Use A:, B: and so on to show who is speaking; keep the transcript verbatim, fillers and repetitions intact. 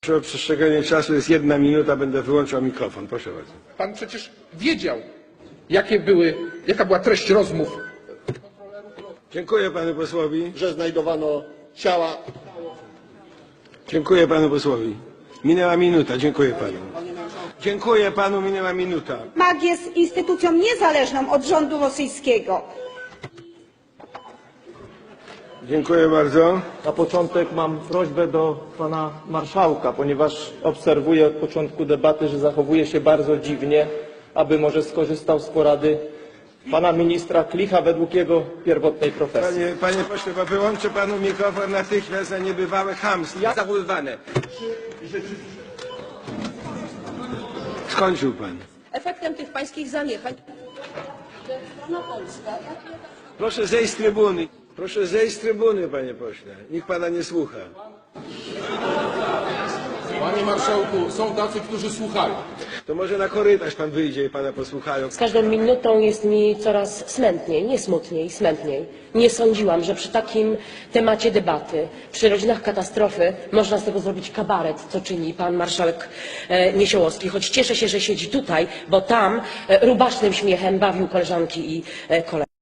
A: Proszę o przestrzeganie czasu, jest jedna minuta, będę wyłączał mikrofon. Proszę bardzo.
B: Pan przecież wiedział, jakie były, jaka była treść rozmów.
A: Dziękuję panu posłowi.
C: Że znajdowano ciała.
A: Dziękuję panu posłowi. Minęła minuta. Dziękuję panu. Dziękuję panu. Minęła minuta.
D: MAG jest instytucją niezależną od rządu rosyjskiego.
A: Dziękuję bardzo.
E: Na początek mam prośbę do pana marszałka, ponieważ obserwuję od początku debaty, że zachowuje się bardzo dziwnie, aby może skorzystał z porady pana ministra Klicha według jego pierwotnej profesji.
A: Panie, panie pośle, bo wyłączę panu mikrofon natychmiast za niebywałe chamstwo zachowywane. Skończył pan.
F: Efektem tych pańskich zaniechań strona polska.
A: Proszę zejść z trybuny. Proszę zejść z trybuny, panie pośle. Nikt pana nie słucha.
B: Panie marszałku, są tacy, którzy słuchają.
A: To może na korytarz pan wyjdzie i pana posłuchają.
F: Z każdą minutą jest mi coraz smętniej, nie smutniej, smętniej. Nie sądziłam, że przy takim temacie debaty, przy rodzinach katastrofy, można z tego zrobić kabaret, co czyni pan marszałek e, Niesiołowski. Choć cieszę się, że siedzi tutaj, bo tam e, rubasznym śmiechem bawił koleżanki i e, kolegów.